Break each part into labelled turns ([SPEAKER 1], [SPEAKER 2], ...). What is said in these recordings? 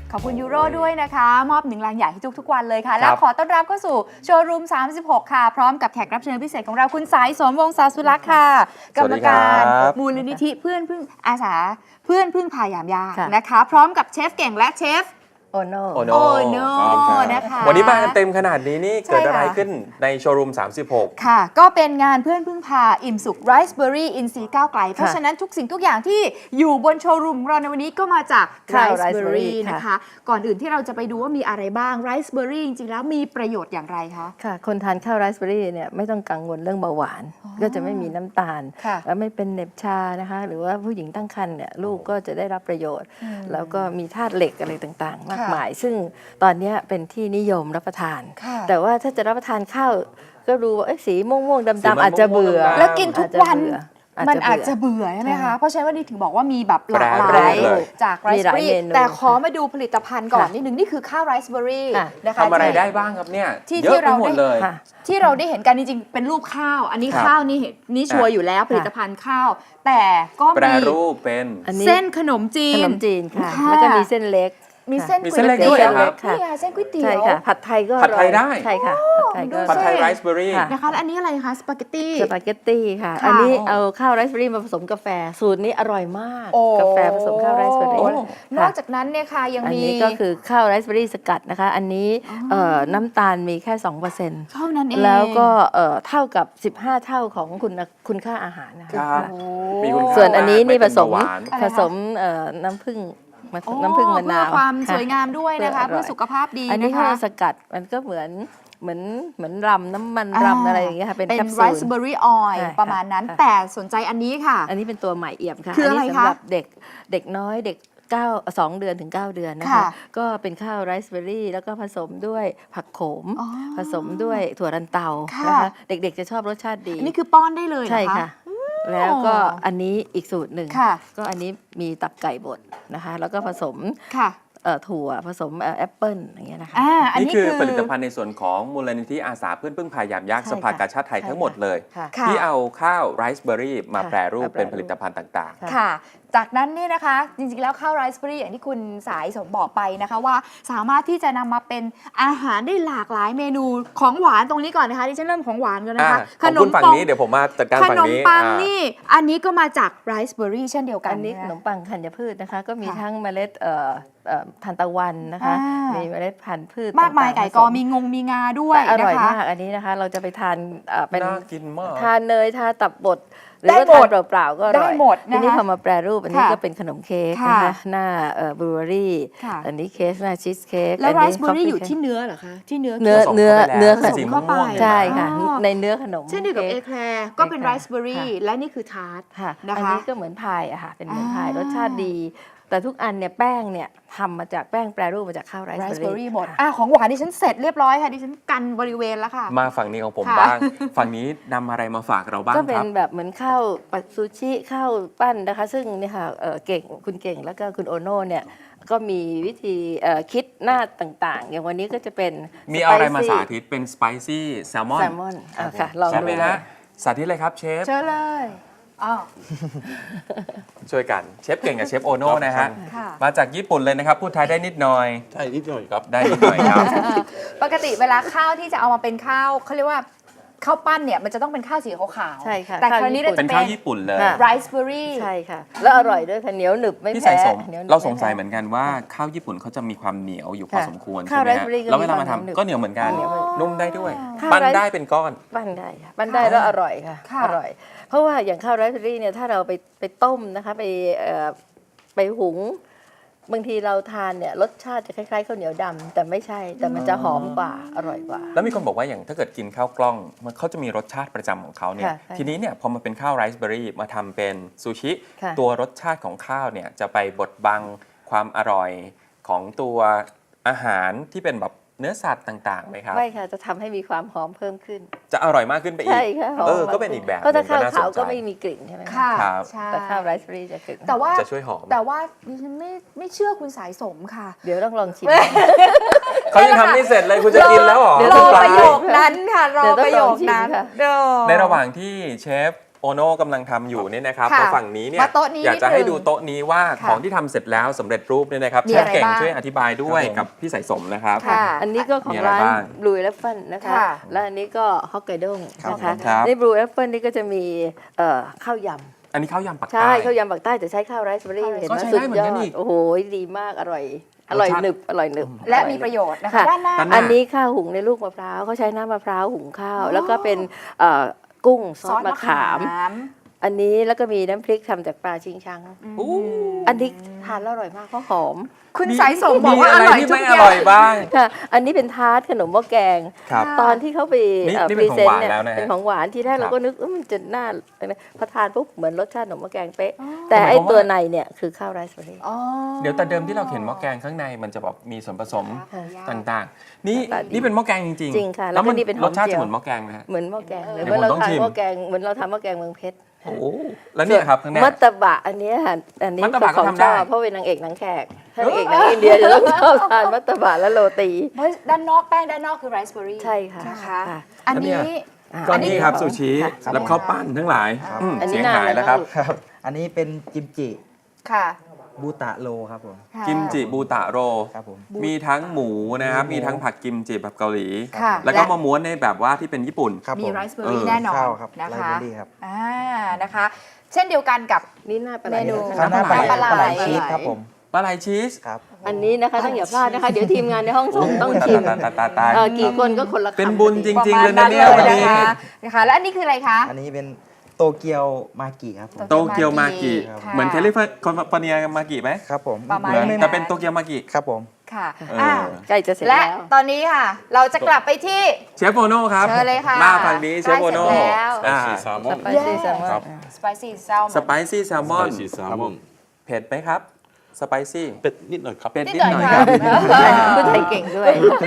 [SPEAKER 1] ขอบคุณยูโรด้วยนะคะมอบ1 รางใหญ่ให้ทุกวันเลยค่ะและขอต้อนรับเข้าสู่โชว์รูม36ค่ะพร้อมกับแขกรับเชิญพิเศษของเราคุณสายสมวงศ์ศาสุรักษ์ค่ะกรรมการมูลนิธิเพื่อนพึ่งอาสาเพื่อนพึ่งพายามยากนะคะพร้อมกับเชฟเก่งและเชฟ
[SPEAKER 2] โอโน่
[SPEAKER 1] นะคะ
[SPEAKER 3] วันนี้มากันเต็มขนาดนี้นี่เกิดอะไรขึ้นในโชว์รูม36
[SPEAKER 1] ค่ะก็เป็นงานเพื่อนพึ่งพาอิ่มสุขไรซ์เบอร์รี่อินทรีย์ก้าวไกลเพราะฉะนั้นทุกสิ่งทุกอย่างที่อยู่บนโชว์รูมของเราในวันนี้ก็มาจากไรซ์เบอร์รี่นะคะก่อนอื่นที่เราจะไปดูว่ามีอะไรบ้างไรซ์เบอร์รี่จริงๆแล้วมีประโยชน์อย่างไรคะ
[SPEAKER 2] ค่ะคนทานข้าวไรซ์เบอร์รี่เนี่ยไม่ต้องกังวลเรื่องเบาหวานก็จะไม่มีน้ำตาลและไม่เป็นเหน็บชานะคะหรือว่าผู้หญิงตั้งครรภ์เนี่ยลูกก็จะได้รับประโยชน์ แล้วก็มีธาตุเหล็กอะไรต่างๆมากมายซึ่งตอนนี้เป็นที่นิยมรับประทานแต่ว่าถ้าจะรับประทานข้าวก็รู้ว่าสีม่วงๆดำๆอาจจะเบื่อ
[SPEAKER 1] แล้วกินทุกวันมันอาจจะเบื่อใช่ไหมคะเพราะฉะนั้นวันนี้ถึงบอกว่ามีแบบหลากหลายจากไรซ์เบอร์รี่แต่ขอมาดูผลิตภัณฑ์ก่อนนิดนึงนี่คือข้าวไรซ์เบอร์รี่นะคะ
[SPEAKER 3] ทำอะไรได้บ้างครับเนี่ย
[SPEAKER 1] ที่
[SPEAKER 3] เยอะไปหมดเลย
[SPEAKER 1] ที่เราได้เห็นกันจริงๆเป็นรูปข้าวอันนี้ข้าวนี่ชัวร์อยู่แล้วผลิตภัณฑ์ข้าวแต่ก็
[SPEAKER 3] แปรรูปเป็น
[SPEAKER 1] เส้นขนมจีน
[SPEAKER 2] ค่ะแล้วก็มีเส้นเล็ก
[SPEAKER 1] มีเส้นก๋วยเตี๋ยว
[SPEAKER 3] ด้วยครับ
[SPEAKER 1] นี่ค่ะเส้นก๋วยเตี๋ยว
[SPEAKER 2] ใช่ค่ะผัดไทยก็
[SPEAKER 3] ผัดไทยได้
[SPEAKER 2] ใช่ค่ะ
[SPEAKER 3] ผัดไทยไรซ์เบอร์รี่
[SPEAKER 1] นะคะอันนี้อะไรคะสปาเกต
[SPEAKER 2] ตี้ค่ะอันนี้เอาข้าวไรซ์เบอร์รี่มาผสมกาแฟสูตรนี้อร่อยมากกาแฟผสมข้าวไรซ์เบอร์รี่
[SPEAKER 1] นอกจากนั้นเนี่ยค่ะยังมี
[SPEAKER 2] อันนี้ก็คือข้าวไรซ์เบอร์รี่สกัดนะคะอันนี้น้ำตาลมีแค่ 2%
[SPEAKER 1] เท่านั้นเอง
[SPEAKER 2] แล้วก็เท่ากับ15เท่าของคุณค่าอาหารนะคะส่วนอันนี้นี่ผสมน้ำผึ้งมะนาว
[SPEAKER 1] เพื่อความสวยงามด้วยนะคะเพื่อสุขภาพดีนะคะ
[SPEAKER 2] อันนี้ข้าวสกัดมันก็เหมือนรำน้ำมันรำอะไรอย่างเงี้ยค่ะเป็นแคปซูล
[SPEAKER 1] ไรซ์เบอร์รี่ออยล์ประมาณนั้นแต่สนใจอันนี้ค่ะ
[SPEAKER 2] อันนี้เป็นตัวใหม่เอี่ยมค่ะ
[SPEAKER 1] คืออะไรคะ
[SPEAKER 2] สำหรับเด็กน้อยเด็ก2 เดือนถึง 9 เดือนนะคะก็เป็นข้าวไรซ์เบอร์รี่แล้วก็ผสมด้วยผักโขมผสมด้วยถั่วลันเตานะคะเด็กๆจะชอบรสชาติดี
[SPEAKER 1] นี่คือป้อนได้เลย
[SPEAKER 2] ใช่ค่ะแล้วก็อันนี้อีกสูตรหนึ่งก็อันนี้มีตับไก่บดนะคะแล้วก็ผสมถั่วผสมแอปเปิ้ลอย่างเงี้ยนะคะ
[SPEAKER 3] นี่คือผลิตภัณฑ์ในส่วนของมูลนิธิอาสาเพื่อนพึ่งพายามยากสภากาชาติไทยทั้งหมดเลยที่เอาข้าวไรซ์เบอร์รี่มาแปรรูปเป็นผลิตภัณฑ์ต่าง
[SPEAKER 1] ๆค่ะจากนั้นนี่นะคะจริงๆแล้วข้าวไรซ์เบอร์รี่อย่างที่คุณสายสมบอกไปนะคะว่าสามารถที่จะนำมาเป็นอาหารได้หลากหลายเมนูของหวานตรงนี้ก่อนนะคะที่ฉันเริ่มของหวานกันนะคะ
[SPEAKER 3] ขนมปังนี้เดี๋ยวผมมาจัดการฝั่งนี้
[SPEAKER 1] ขนมปังนี่อันนี้ก็มาจากไรซ์เบอร์รี่เช่นเดียวกัน
[SPEAKER 2] อันนี้ขนมปังธัญพืชนะคะก็มีทั้งเมล็ดทานตะวันนะคะมีเมล็ดพันธุ์พืช
[SPEAKER 1] มากมายไก่กอมีงาด้วย
[SPEAKER 2] อร่อยมากอันนี้นะคะเราจะไปทานเป็น
[SPEAKER 3] กินมาก
[SPEAKER 2] ทานเนยทานตับบดหรือว่าทานเปล่าๆก็อร่อยทีนี้พอมาแปรรูปอันนี้ก็เป็นขนมเค้กนะคะหน้าบลูเบอร์รี่อันนี้เค้กหน้าชีสเค้ก
[SPEAKER 1] แล้วไรซ์เบอร์รี่อยู่ที่เนื้อเหรอคะที่เนื้อ
[SPEAKER 2] ผสมเข้าไปใช่ค่ะในเนื้อขนม
[SPEAKER 1] เช่นเดียวกับเอแคลร์ก็เป็นไรซ์เบอร์รี่และนี่คือทาร์ต
[SPEAKER 2] อันนี้ก็เหมือนพายอะค่ะเป็นเหมือนพายรสชาติดีแต่ทุกอันเนี่ยแป้งเนี่ยทำมาจากแป้งแปรรูปมาจากข้าวไรซ์เบอร์รี่
[SPEAKER 1] หมดของหวานดิฉันเสร็จเรียบร้อยค่ะดิฉันกันบริเวณแล้วค่ะ
[SPEAKER 3] มาฝั่งนี้ของผมบ้างฝั่งนี้นำอะไรมาฝากเราบ้างครับ
[SPEAKER 2] ก็เป็นแบบเหมือนข้าวปัดซูชิข้าวปั้นนะคะซึ่งเนี่ยค่ะคุณเก่งแล้วก็คุณโอโน่เนี่ยก็มีวิธีคิดหน้าต่างๆอย่างวันนี้ก็จะเป็น
[SPEAKER 3] มีอะไรมาสาธิตเป็นสไปซี่แซลมอน
[SPEAKER 2] ค่ะลองดู
[SPEAKER 3] ฮะสาธิตเลยครับเชฟ
[SPEAKER 1] เชิญเลย
[SPEAKER 3] ช่วยกันเชฟเก่งกับเชฟโอโน่นะฮะมาจากญี่ปุ่นเลยนะครับพูดไทยได้นิดหน่อย
[SPEAKER 4] ได้นิดหน่อยครับ
[SPEAKER 3] ได้นิดหน่อยครับ
[SPEAKER 1] ปกติเวลาข้าวที่จะเอามาเป็นข้าวเขาเรียกว่าข้าวปั้นเนี่ยมันจะต้องเป็นข้าวสีขาว
[SPEAKER 2] ใช่ค่ะ
[SPEAKER 1] แต่คราวนี้เราจะ
[SPEAKER 3] เป็นข้าวญี่ปุ่นเลย
[SPEAKER 1] ไรซ์เบอร์รี่
[SPEAKER 2] ใช่ค่ะแล้วอร่อยด้วยค่ะเหนียวหนึบไม่แพ้
[SPEAKER 3] เราสงสัยเหมือนกันว่าข้าวญี่ปุ่นเขาจะมีความเหนียวอยู่พอสมควรใช่ไหมฮะแล้วเวลามาทำก็เหนียวเหมือนกันนุ่มได้ด้วยปั้นได้เป็นก้อน
[SPEAKER 2] ปั้นได้ค่ะปั้นได้แล้วอร่อยค่ะอร่อยเพราะว่าอย่างข้าวไรซ์เบอร์รี่เนี่ยถ้าเราไปต้มนะคะไปหุงบางทีเราทานเนี่ยรสชาติจะคล้ายๆข้าวเหนียวดำแต่ไม่ใช่แต่มันจะหอมกว่าอร่อยกว่า
[SPEAKER 3] แล้วมีคนบอกว่าอย่างถ้าเกิดกินข้าวกล้องมันเขาจะมีรสชาติประจำของเขาเนี่ยทีนี้เนี่ยพอมาเป็นข้าวไรซ์เบอร์รี่มาทำเป็นซูชิตัวรสชาติของข้าวเนี่ยจะไปบดบังความอร่อยของตัวอาหารที่เป็นแบบเนื้อสัตว์ต่างๆไหมครับ
[SPEAKER 2] ไม่ค่ะจะทำให้มีความหอมเพิ่มขึ้น
[SPEAKER 3] จะอร่อยมากขึ้นไปอีก
[SPEAKER 2] ใช่ค่ะ
[SPEAKER 3] ก็เป็นอีกแบบ
[SPEAKER 2] เพราะถ้าข้าวขาวก็ไม่มีกลิ่นใช่ไหม
[SPEAKER 1] ค่ะ
[SPEAKER 2] แต่ข้าวไรซ์เบอร์รี่จะกลิ่น
[SPEAKER 3] จะช่วยหอม
[SPEAKER 1] แต่ว่าดิฉันไม่เชื่อคุณสายสมค่ะ
[SPEAKER 2] เดี๋ยวต้องลองชิม
[SPEAKER 3] เขายังทำไม่เสร็จเลยคุณจะกินแล้วหรอ
[SPEAKER 1] รอประโยคนั้นค่ะรอประโยคนั้น
[SPEAKER 3] ในระหว่างที่เชฟโอโน่กำลังทำอยู่เนี่ยนะครับ
[SPEAKER 1] ค่ะ
[SPEAKER 3] มาฝั่งนี้เนี่ย
[SPEAKER 1] มาโต๊ะนี้
[SPEAKER 3] อยากจะ
[SPEAKER 1] นิดนึง
[SPEAKER 3] ให้ดูโต๊ะนี้ว่า
[SPEAKER 1] ค่ะ
[SPEAKER 3] ของที่ทำเสร็จแล้วสำเร็จรูปเนี่ยนะครับ
[SPEAKER 1] มี
[SPEAKER 3] เชฟ
[SPEAKER 1] อะไร
[SPEAKER 3] เก่ง
[SPEAKER 1] บ้าง
[SPEAKER 3] ช่วยอธิบายด้วย
[SPEAKER 4] ครับผม
[SPEAKER 3] กับพี่สายสมนะครับ
[SPEAKER 1] ค่ะ
[SPEAKER 2] อันนี้ก็ขอ
[SPEAKER 3] มี
[SPEAKER 2] ง
[SPEAKER 3] อะไร
[SPEAKER 2] ร้าน
[SPEAKER 3] บ้าง
[SPEAKER 2] Blue Elephant นะคะ
[SPEAKER 1] ค่ะ
[SPEAKER 2] และอันนี้ก็ฮอกไกโด้งนะคะ
[SPEAKER 3] ครับ
[SPEAKER 2] ใน Blue Elephant นี่ก็จะมีข้าวยำ
[SPEAKER 3] อันนี้ข้าวยำปัก
[SPEAKER 2] ใช่
[SPEAKER 3] ใต้
[SPEAKER 2] ข้าวยำปักใต้แต่ใช้ข้าวไรซ์เบอรี่
[SPEAKER 1] ก็
[SPEAKER 2] เห็นไหม
[SPEAKER 3] ใช้
[SPEAKER 2] สุ
[SPEAKER 3] ได้
[SPEAKER 2] ด
[SPEAKER 3] เหมือย น
[SPEAKER 2] อ
[SPEAKER 3] กัน
[SPEAKER 2] ด
[SPEAKER 3] อีก
[SPEAKER 2] โอ้โหดีมากอร่อยอร่อย
[SPEAKER 3] รสชาติ
[SPEAKER 2] หนึบอร่อยหนึบ
[SPEAKER 1] และมีประโยชน์นะคะ
[SPEAKER 2] ค่ะ
[SPEAKER 1] ด้านหน้า
[SPEAKER 3] ด้านหน้า
[SPEAKER 2] อันนี้ข้าวหุงในลูกมะพร้าวเขาใช้น้ำมะพร้าวหุงข้าว แล้วก็เป็นกุ้งซอสมะขาม อันนี้แล้วก็มีน้ำพริกทำจากปลาชิงชัง
[SPEAKER 3] อู้
[SPEAKER 2] อันนี้ทานแล้วอร่อยมากเพราะหอม
[SPEAKER 1] คุณสายสมบอกว่าอ
[SPEAKER 3] อะไร
[SPEAKER 1] ร่อย
[SPEAKER 3] ที่
[SPEAKER 1] ทุ
[SPEAKER 3] ไม่
[SPEAKER 1] ก
[SPEAKER 3] อ
[SPEAKER 1] อย่า
[SPEAKER 3] ร่อง ยบ้าง
[SPEAKER 2] ค่ะ อันนี้เป็นทาร์ตขนมหม้อแกง
[SPEAKER 3] ครับ
[SPEAKER 2] ตอนที่เขาไป
[SPEAKER 3] นี่
[SPEAKER 2] พ
[SPEAKER 3] เป็
[SPEAKER 2] รี
[SPEAKER 3] นของ
[SPEAKER 2] เซน
[SPEAKER 3] หวาน
[SPEAKER 2] ต์เนี่ย
[SPEAKER 3] แล้วนะฮะ
[SPEAKER 2] เป็นของหวานที่แรก
[SPEAKER 3] ครับ
[SPEAKER 2] เราก็นึกมันจะน่าพอทานปุ๊บเหมือนรสชาติขนมหม้อแกงเป๊ะ แต่
[SPEAKER 3] หมาย
[SPEAKER 2] ไอ
[SPEAKER 3] ความว่า
[SPEAKER 2] ตัวในเนี่ยคือข้าวไรซ์เบอรี่
[SPEAKER 1] อ๋อ
[SPEAKER 3] เดี๋ยวแต่เดิมที่เราเห็นหม้อแกงข้างในมันจะแบบมีส่วนผสม
[SPEAKER 1] ค่ะ
[SPEAKER 3] ต่างๆ นี่
[SPEAKER 2] หน้าตาดี
[SPEAKER 3] นี่เป็นหม้อแกงจริง
[SPEAKER 2] จริงค่ะแล้
[SPEAKER 3] แล้ว ว
[SPEAKER 2] ก็
[SPEAKER 3] มัน
[SPEAKER 2] นี่เป็นหอม
[SPEAKER 3] รสชาติ
[SPEAKER 2] เจียว
[SPEAKER 3] จะเหมือนหม้อแกงไหมฮะ
[SPEAKER 2] เหมือนหม้อแกงเลย
[SPEAKER 3] เดี๋
[SPEAKER 2] เห
[SPEAKER 3] ยว
[SPEAKER 2] มือนเรา
[SPEAKER 3] ผมต้อง
[SPEAKER 2] ทาน
[SPEAKER 3] ชิม
[SPEAKER 2] หม้อแกงเหมือนเราทำหม้อแกงเมืองเพชร
[SPEAKER 3] โอ้โหแล้วเนี่ยครับข้างหน้า
[SPEAKER 2] มัตตบะอันเนี้ยค่ะอันนี้
[SPEAKER 3] มัตตบะก็
[SPEAKER 2] ของ
[SPEAKER 3] ทำได้
[SPEAKER 2] ชอบเพราะเป็นนางเอกหนังแขกถ้านางเอกหนังอินเดียจะต้องชอบทานมัตตบะและโรตี
[SPEAKER 1] เพราะด้านนอกแป้งด้านนอกคือไรซ์เบอร์รี่
[SPEAKER 2] ใช่ค่ะ
[SPEAKER 1] นะคะ
[SPEAKER 2] ค่ะ
[SPEAKER 1] อันนี้
[SPEAKER 3] ก็นี่ครับซูชิ
[SPEAKER 2] ค่ะ
[SPEAKER 3] แล้วข้าวปั้นทั้งหลาย
[SPEAKER 4] ครับ
[SPEAKER 2] อันนี้
[SPEAKER 3] เสียง
[SPEAKER 2] นาน
[SPEAKER 3] หาย
[SPEAKER 2] แล้
[SPEAKER 3] แล้ว
[SPEAKER 2] ว
[SPEAKER 3] ครับ
[SPEAKER 4] ครับ อันนี้เป็นกิมจิ
[SPEAKER 1] ค่ะ
[SPEAKER 4] บูตะโรครับผม
[SPEAKER 1] ค่ะ
[SPEAKER 3] กิมจิบูตะโร
[SPEAKER 4] ครับผม
[SPEAKER 3] มีทั้งหมูนะครับ
[SPEAKER 4] มีหมู
[SPEAKER 3] มีทั้งผัดกิมจิแบบเกาหลี
[SPEAKER 1] ค่ะ
[SPEAKER 3] แล้วก็มาม้วนในแบบว่าที่เป็นญี่ปุ่น
[SPEAKER 4] ครับ
[SPEAKER 1] มี
[SPEAKER 4] ผม
[SPEAKER 1] ไรซ์เบอร์รี่
[SPEAKER 3] เออ
[SPEAKER 1] แน่นอน
[SPEAKER 4] ข้าวครับ
[SPEAKER 1] นะ
[SPEAKER 4] ไร
[SPEAKER 1] คะ
[SPEAKER 4] เบอรี่ครับ
[SPEAKER 1] นะคะ เช่นเดียวกันกับ
[SPEAKER 2] นี่หน้าปลาไหล
[SPEAKER 1] เมนู
[SPEAKER 4] ข้าวหน้าปลาไหล
[SPEAKER 1] ปลาไหล
[SPEAKER 4] ปลาไหลชีสครับผม
[SPEAKER 3] ปลาไหลชีส
[SPEAKER 4] ครับ
[SPEAKER 2] อันนี้นะคะต้องอย่าพลาดนะคะ เดี๋ยวทีมงานในห้องส่งต้อง
[SPEAKER 3] ตาย
[SPEAKER 2] ชิม
[SPEAKER 3] ตาย
[SPEAKER 2] กี่คนก็คนละคำ
[SPEAKER 3] เป็นบุญจ
[SPEAKER 1] ประ
[SPEAKER 3] ริง ๆ
[SPEAKER 1] มา
[SPEAKER 3] เล
[SPEAKER 1] ณ
[SPEAKER 3] ยนะเนี่ย
[SPEAKER 1] ล
[SPEAKER 3] วันนี้
[SPEAKER 1] นะคะแล้วอันนี้คืออะไรคะ
[SPEAKER 4] อันนี้เป็นโตเกียวมากิครับผม
[SPEAKER 3] โตเกียวมากิ
[SPEAKER 1] ค่ะ
[SPEAKER 3] เหมือนแคลิฟอร์เนียมากิไหม
[SPEAKER 4] ครับผม
[SPEAKER 1] ประมาณ
[SPEAKER 3] เหมือน
[SPEAKER 1] นั้น
[SPEAKER 3] แต่เป็นโตเกียวมากิ
[SPEAKER 4] ครับผม
[SPEAKER 1] ค่ะ
[SPEAKER 3] เอออ่
[SPEAKER 1] อ่ะ
[SPEAKER 2] ใกล้จะเสร็จ
[SPEAKER 1] และ
[SPEAKER 2] แล้ว
[SPEAKER 1] ตอนนี้ค่ะ เราจะกลับไปที่
[SPEAKER 3] เชฟโอโน่ครับ
[SPEAKER 1] เชิญเลยค่ะ
[SPEAKER 3] มาฝั่งนี้เชฟโอโน่
[SPEAKER 1] ใกล้เสร็จแล้ว
[SPEAKER 3] อ่า
[SPEAKER 5] แซลมอน
[SPEAKER 2] สไปซี่แซลมอน
[SPEAKER 5] ครับ
[SPEAKER 1] สไปซี่แซลม
[SPEAKER 3] ส
[SPEAKER 1] อน
[SPEAKER 3] ไปซี่แซลมอน
[SPEAKER 5] Spicy salmon
[SPEAKER 3] เผ็ดไหมครับสไปซี่
[SPEAKER 5] เป็ดนิดหน่อยครับ
[SPEAKER 3] เผ็ด
[SPEAKER 1] นิ
[SPEAKER 3] นิ
[SPEAKER 1] ด
[SPEAKER 3] ด
[SPEAKER 1] ห
[SPEAKER 3] ห
[SPEAKER 1] น่
[SPEAKER 3] น่
[SPEAKER 1] อ
[SPEAKER 3] อย ย
[SPEAKER 1] ค
[SPEAKER 3] ค
[SPEAKER 1] รั
[SPEAKER 3] รับ บ
[SPEAKER 2] พูดไทยเก่งด้วย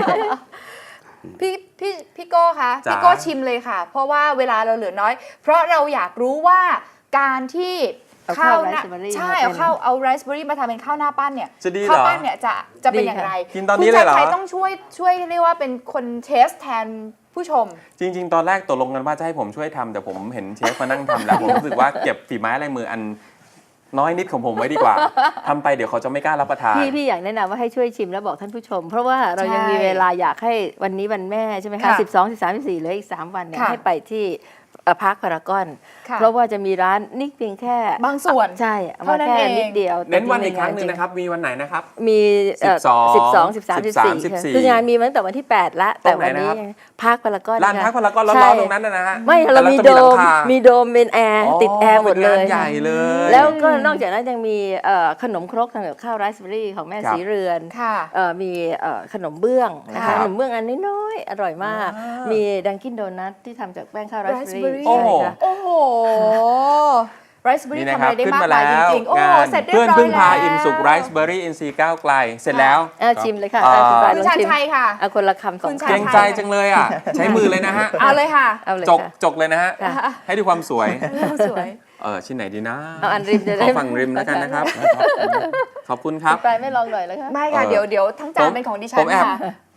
[SPEAKER 1] พี่โก้คะ
[SPEAKER 3] จ๋า
[SPEAKER 1] พี่โก้ชิมเลยค่ะ เพราะว่าเวลาเราเหลือน้อย เพราะเราอยากรู้ว่าการที่
[SPEAKER 2] เอาข้าว
[SPEAKER 1] หน้
[SPEAKER 2] ไรซ์เบอร์รี่
[SPEAKER 1] ใช่
[SPEAKER 2] มาเป็น
[SPEAKER 1] เอาไรซ์เบอร์รี่มาทำเป็นข้าวหน้าปั้นเนี่ย
[SPEAKER 3] จะดีเหรอ
[SPEAKER 1] ข้าวปั้นเนี่ยจะเป็น
[SPEAKER 2] ดี
[SPEAKER 1] อย่าง
[SPEAKER 2] ค่ะ
[SPEAKER 1] ไร
[SPEAKER 3] กินตอนนี้เลยเหรอ
[SPEAKER 1] คุณชัยต้องช่วยเรียกว่าเป็นคนเทสแทนผู้ชม
[SPEAKER 3] จริง ๆ ตอนแรกตกลงกันว่าจะให้ผมช่วยทำแต่ผมเห็นเชฟมานั่งทำแล้ว ผมรู้สึกว่าเก็บฝีไม้ลายมืออันน้อยนิดของผมไว้ดีกว่าทำไปเดี๋ยวเขาจะไม่กล้ารับประทาน
[SPEAKER 2] พี่อยากแนะนำว่าให้ช่วยชิมแล้วบอกท่านผู้ชม เพราะว่าเรายัง
[SPEAKER 1] ใช่
[SPEAKER 2] มีเวลาอยากให้วันนี้วันแม่ใช่ไหมคะ
[SPEAKER 1] ค่ะ
[SPEAKER 2] 12 13 14เหลืออีก 3 วันเนี่ย
[SPEAKER 1] ค่ะ
[SPEAKER 2] ให้ไปที่พาร์คพารากอน
[SPEAKER 1] ค่ะ
[SPEAKER 2] เพราะว่าจะมีร้านนี่เพียงแค่
[SPEAKER 1] บางส่วน
[SPEAKER 2] ใช่เอา
[SPEAKER 1] เท่า
[SPEAKER 2] มา
[SPEAKER 1] นั้น
[SPEAKER 2] แค่
[SPEAKER 1] เอง
[SPEAKER 2] นิดเดียว
[SPEAKER 3] เน้นวัน
[SPEAKER 2] แต่
[SPEAKER 3] อีกครั้งหนึ่ง
[SPEAKER 2] จ
[SPEAKER 3] นะครับ มีวันไหนนะครับ
[SPEAKER 2] มี
[SPEAKER 3] 12
[SPEAKER 2] 13 14
[SPEAKER 3] 14
[SPEAKER 2] คืองานมีมาตั้งแต่วันที่ 8 ละ แต่วันนี้
[SPEAKER 3] ตรงไหนนะครับ
[SPEAKER 2] พาร์คพารากอน
[SPEAKER 3] ลานพักพารากอนร้
[SPEAKER 2] ใช่
[SPEAKER 3] อนๆตรงนั้นนะฮะ
[SPEAKER 2] ไม่เรามี
[SPEAKER 3] แต่
[SPEAKER 2] โด
[SPEAKER 3] จะหลั
[SPEAKER 2] ม
[SPEAKER 3] งคา
[SPEAKER 2] มีโดมเป็นแอร์ติดแอร์หมดเลย
[SPEAKER 3] ป็นงานใหญ่เลย
[SPEAKER 2] แล้วก็นอกจากนั้นยังมีขนมครกทำกับข้าวไรซ์เบอร์รี่ของแม่
[SPEAKER 3] ครับ
[SPEAKER 2] สีเรือน
[SPEAKER 1] ค่ะ
[SPEAKER 2] มีขนมเบื้องนะ
[SPEAKER 3] ครั
[SPEAKER 2] คะ
[SPEAKER 3] บ
[SPEAKER 2] ขนมเบื้องอันน้อยๆอร่อยมาก มีดังกินโดนัทที่ทำจากแป้งข้าวไรซ์เบอร์รี่
[SPEAKER 1] Raspberry
[SPEAKER 3] โอ้โห
[SPEAKER 2] ใช่ค่ะ
[SPEAKER 1] โอ้โหไรซ์เบอร์
[SPEAKER 3] นี่
[SPEAKER 1] รี่
[SPEAKER 3] นะ
[SPEAKER 1] ทำ
[SPEAKER 3] ค
[SPEAKER 1] อะ
[SPEAKER 3] รับ
[SPEAKER 1] ไรได้
[SPEAKER 3] ขึ้น
[SPEAKER 1] มาก
[SPEAKER 3] มาม
[SPEAKER 1] าย
[SPEAKER 3] แล้ว
[SPEAKER 1] จริงๆ โอ้
[SPEAKER 3] งาน
[SPEAKER 1] เสร็จเรีย
[SPEAKER 3] เพื่อบ น
[SPEAKER 1] ร้อย
[SPEAKER 3] พึ่งพา
[SPEAKER 1] แล้ว
[SPEAKER 3] อิ่มสุขไรซ์เบอร์รี่อินซีก้าวไกล เสร็จแล้ว
[SPEAKER 2] ชิมเลยค่ะ
[SPEAKER 3] อ่า
[SPEAKER 2] คุณปลาย
[SPEAKER 1] คุณ
[SPEAKER 2] ลอง
[SPEAKER 1] ชาญ
[SPEAKER 2] ชิม
[SPEAKER 1] ชัยค่ะ
[SPEAKER 2] เอาคนละคำสอง
[SPEAKER 1] คุณ
[SPEAKER 2] ค
[SPEAKER 1] ชา
[SPEAKER 3] เกร
[SPEAKER 1] ญ
[SPEAKER 3] งใจจังเลยอ่ะ ใช้มือเลยนะฮะ
[SPEAKER 1] เอาเลยค่ะ
[SPEAKER 2] ำเอาเลย
[SPEAKER 3] จก
[SPEAKER 2] ค่ะ
[SPEAKER 3] จกเลยนะฮะ
[SPEAKER 2] ค่ะ
[SPEAKER 3] ให้ดูความสวย
[SPEAKER 1] สวย
[SPEAKER 3] ชิ้นไหนดีนะ
[SPEAKER 2] เอาอันริมจะ
[SPEAKER 3] ข
[SPEAKER 2] ได้
[SPEAKER 3] อฝั่งริมแล้วกันนะครับ ขอบคุณครับ
[SPEAKER 2] คุณปลายไม่ลองหน่อยแล้วคะ
[SPEAKER 1] ไม่ค่ะ
[SPEAKER 3] เออ
[SPEAKER 1] เดี๋ยวทั้งจานเป็นของดิฉั
[SPEAKER 3] ผ
[SPEAKER 1] น
[SPEAKER 3] มแอบ
[SPEAKER 1] ค่ะ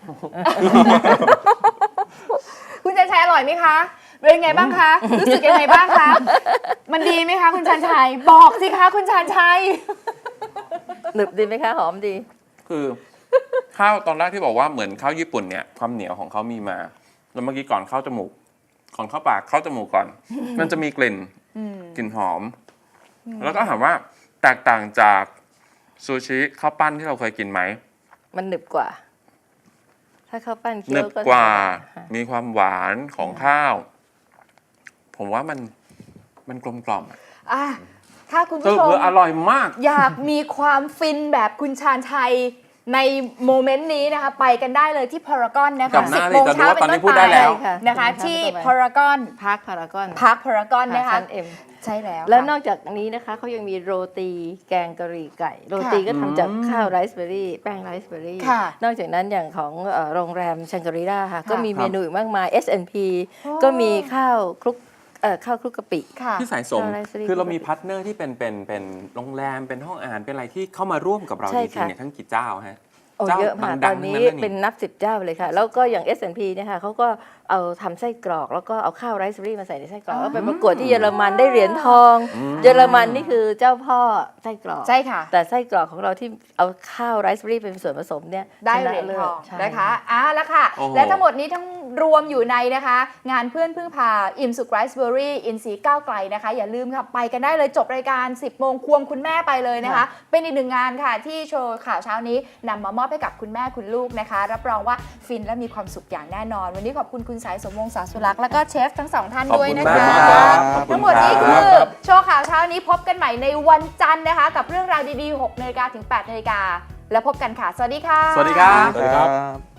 [SPEAKER 1] คุณชันชัยอร่อยไหมคะ เป็นไงบ้างคะ รู้สึกยังไงบ้างคะ มันดีไหมคะคุณชันชัย บอกสิคะคุณชันชัย
[SPEAKER 2] หนึบดีไหมคะหอมดี
[SPEAKER 3] คือข้าวตอนแรกที่บอกว่าเหมือนข้าวญี่ปุ่นเนี่ยความเหนียวของเขามีมา แล้วเมื่อกี้ก่อนเข้าจมูกก่อนเข้าปากเข้าจมูกก่อน มันจะมีกลิ่นกลิ่นหอม แล้วก็ถามว่าแตกต่างจากซูชิข้าวปั้นที่เราเคยกินไหม
[SPEAKER 2] มันหนึบกว่า ถ้าข้าวปั้นเคี้
[SPEAKER 3] หนึ
[SPEAKER 2] ยว
[SPEAKER 3] บ
[SPEAKER 2] ก็
[SPEAKER 3] กว่า
[SPEAKER 2] ค่ะ
[SPEAKER 3] มีความหวานของข้าว ผมว่ามันกลมกล่อมอะ
[SPEAKER 1] อ่ะ ถ้าคุณ
[SPEAKER 3] คือ
[SPEAKER 1] ผู้ชม
[SPEAKER 3] อร่อยมาก
[SPEAKER 1] อยากมีความฟินแบบคุณชาญชัยในโมเมนต์นี้นะคะ ไปกันได้เลยที่พารากอนนะ
[SPEAKER 3] กลั
[SPEAKER 1] คะ
[SPEAKER 3] บหน้า
[SPEAKER 1] 10
[SPEAKER 3] เลย
[SPEAKER 1] โมง
[SPEAKER 3] ตอนนี้
[SPEAKER 1] เช้า
[SPEAKER 3] ว่า
[SPEAKER 1] เป็น
[SPEAKER 3] ตอนนี้
[SPEAKER 1] ต้น
[SPEAKER 3] พูด
[SPEAKER 1] ไป
[SPEAKER 3] ได้แล้ว
[SPEAKER 1] นะคะ ที่พารากอน
[SPEAKER 2] พาร์คพารากอน
[SPEAKER 1] พาร์คพารากอนนะคะ
[SPEAKER 2] ชั้นเอ็ม
[SPEAKER 1] ใช่แล้ว
[SPEAKER 2] แล้ว
[SPEAKER 1] ค่ะ
[SPEAKER 2] นอกจากนี้นะคะเขายังมีโรตีแกงกะหรี่ไก่ โรตีก็ทำจากข้าวไรซ์เบอร์รี่แป้งไรซ์เบอร์รี่
[SPEAKER 1] ค่ะ
[SPEAKER 2] นอกจากนั้นอย่างของโรงแรมชังกรีล่าค่ะ ก็มี
[SPEAKER 3] ครับ
[SPEAKER 2] เมนูอีกมากมาย S&P
[SPEAKER 1] โอ้
[SPEAKER 2] ก็มีข้าวคลุกข้าวคลุกกะปิ
[SPEAKER 1] ค่ะ
[SPEAKER 3] พี่สายสม
[SPEAKER 2] ข้าวไรซ์เบอร์รี่
[SPEAKER 3] คือเรามีพาร์ทเนอร์ที่เป็นโรงแรมเป็นห้องอาหารเป็นอะไรที่เข้ามาร่วมกับเรา
[SPEAKER 2] ใช่
[SPEAKER 3] จริง
[SPEAKER 2] ค่ะ
[SPEAKER 3] ๆเนี่ยทั้งกี่เจ้าฮะ
[SPEAKER 2] โอ้
[SPEAKER 3] เจ้า
[SPEAKER 2] เยอะมาก
[SPEAKER 3] ดั
[SPEAKER 2] ตอง น
[SPEAKER 3] ๆ
[SPEAKER 2] นี้
[SPEAKER 3] ทั้งนั้นเลยนี่
[SPEAKER 2] เป็นนับ10 เจ้าเลยค่ะ แล้วก็อย่าง S&P เนี่ยค่ะเขาก็เอาทำไส้กรอกแล้วก็เอาข้าวไรซ์เบอรี่มาใส่ในไส้กรอกแล้วไปประกวดที่เยอรมันได้เหรียญทอง เยอรมันนี่คือเจ้าพ่อไส้กรอก
[SPEAKER 1] ใช่ค่ะ
[SPEAKER 2] แต่ไส้กรอกของเราที่เอาข้าวไรซ์เบอรี่เป็นส่วนผสมเนี่ย
[SPEAKER 1] ได้เหรียญทอง
[SPEAKER 2] ใช่
[SPEAKER 1] นะคะแล้วค่ะ
[SPEAKER 3] โอ้โห
[SPEAKER 1] และทั้งหมดนี้ทั้งรวมอยู่ในนะคะ งานเพื่อนพึ่งพาอิ่มสุขไรซ์เบอรี่อินซีก้าวไกลนะคะ อย่าลืมค่ะไปกันได้เลยจบรายการ 10 โมงควงคุณแม่ไปเลยนะคะ เป็นอีกหนึ่งงานค่ะที่โชว์ข่าวเช้านี้นำมามอบให้กับคุณแม่คุณลูกนะคะ รับรองว่าฟินและมีความสุขอย่างแน่นอน วันนี้ขอบคุณคุณสายสมวงศ์สาสุรักษ์แล้วก็เชฟทั้งสองท่านด้วยนะ
[SPEAKER 3] ขอบ
[SPEAKER 1] คะ
[SPEAKER 3] คุณมากครับขอบคุณ
[SPEAKER 1] ทั้งหมดนี้
[SPEAKER 3] ครับ
[SPEAKER 1] คือโชว์ข่าวเช้านี้พบกันใหม่ในวันจันทร์นะคะ กับเรื่องราวดีๆ 6 นาฬิกาถึง 8 นาฬิกาแล้วพบกันค่ะ สวัสดีค่ะ
[SPEAKER 3] สวัสดีครับ
[SPEAKER 4] สวัสดีครับ